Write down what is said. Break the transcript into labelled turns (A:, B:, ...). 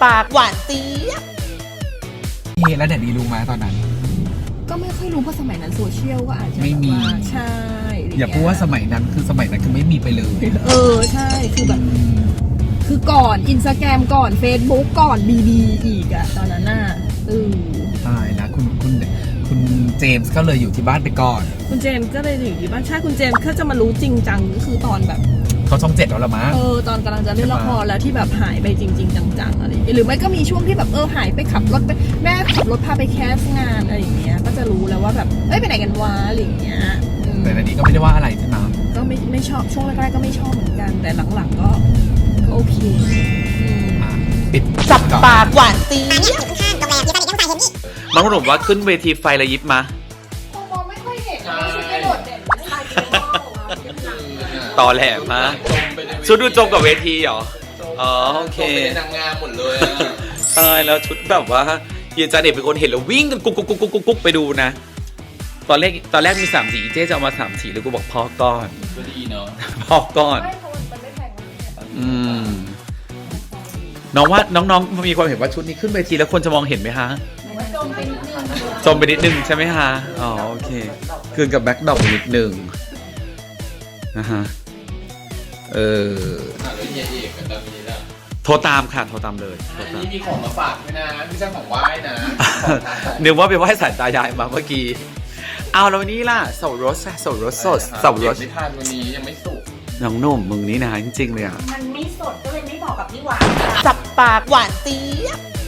A: ปากหวานเจี๊ยบ
B: แล้วเดี๋ยวนี้รู้ไหมตอนนั้น
C: ก็ไม่ค่อยรู้เพราะสมัยนั้นโซเชียลก็อาจจะ
B: ไม่มี
C: ใช่
B: อย่าพูดว่าสมัยนั้นคือไม่มีไปเลย
C: ใช่คือแบบคือก่อนอินสตาแกรมก่อน Facebook ก่อนบีอีกอะตอนนั้นน่ะ
B: ตายนะคุณเจมส์ก็เลยอยู่ที่บ้านไปก่อน
C: คุณเจมส์ก็เลยอยู่ที่บ้านใช่คุณเจมส์ก็จะมารู้จริงจังก็คือตอนแบบ
B: เขาช่อง7แล้วละมั้ง
C: ตอนกำลังจะเล่นละครแล้วที่แบบหายไปจริงๆจังๆอะไรหรือไม่ก็มีช่วงที่แบบหายไปขับรถไปแม่ขับรถพาไปแคสงานอะไรอย่างเงี้ยก็จะรู้แล้วว่าแบบไปไหนกันวะอะไรอย่างเงี้ย
B: แต่ในนี้ก็ไม่ได้ว่าอะไรใช่ไหม
C: ก็ไม่ชอบช่วงแรกๆก็ไม่ชอบเหมือนกันแต่หลังๆก็โอเค
B: ปิด
A: จับปากหวานเจี๊ยบ
D: น้องหนุ่มว่าขึ้นเวทีไฟระยิบมา
C: มองไม่ค่อยเห็นไม่ใช่กระโดดเด่นไม่ใช่
D: ต่อแหลมมาชุดดูจงกับเวทีเหรออ๋อโอเค
E: เป็นนางงามหมดเลย
D: ตายแล้วชุดแบบว่าเฮียจาเด็กเป็นคนเห็นแล้ววิ่งกันกุ๊กไปดูนะตอนแรกมี3 สีเจ๊จะเอามา3 สีแล้วกูบอกพอก่อน
E: ก็ดีเนาะ
D: พอก่อนน้องว่าน้องๆมีความเห็นว่าชุดนี้ขึ้นเวทีแล้วคนจะมองเห็นไหมฮะจมไปนิดนึงใช่ไหมฮะอ๋อโอเคคืนกับแบ็คดรอปนิดนึงนะฮะ
E: แล้วเฮียเอกกันตอนนี้ล่ะ
D: โทรตามค่ะโทรตามเลย
E: อันนี้มีของมาฝากด้วยนะไม่ใช่ของไหว้นะ
D: นึกว่าไปไหว้สายตายายมาเมื่อกี้เอาแล้ววันนี้ล่ะเสารสสดเสารส
E: ไม่ทานวันนี้ยังไม่สุก
D: น้องหนุ่มมึงนี่นะจริงๆเลยอ่ะ
A: มันไม่สดก็เลยไม่บอกกับพี่หวานจับปากหวานเจี๊ยบ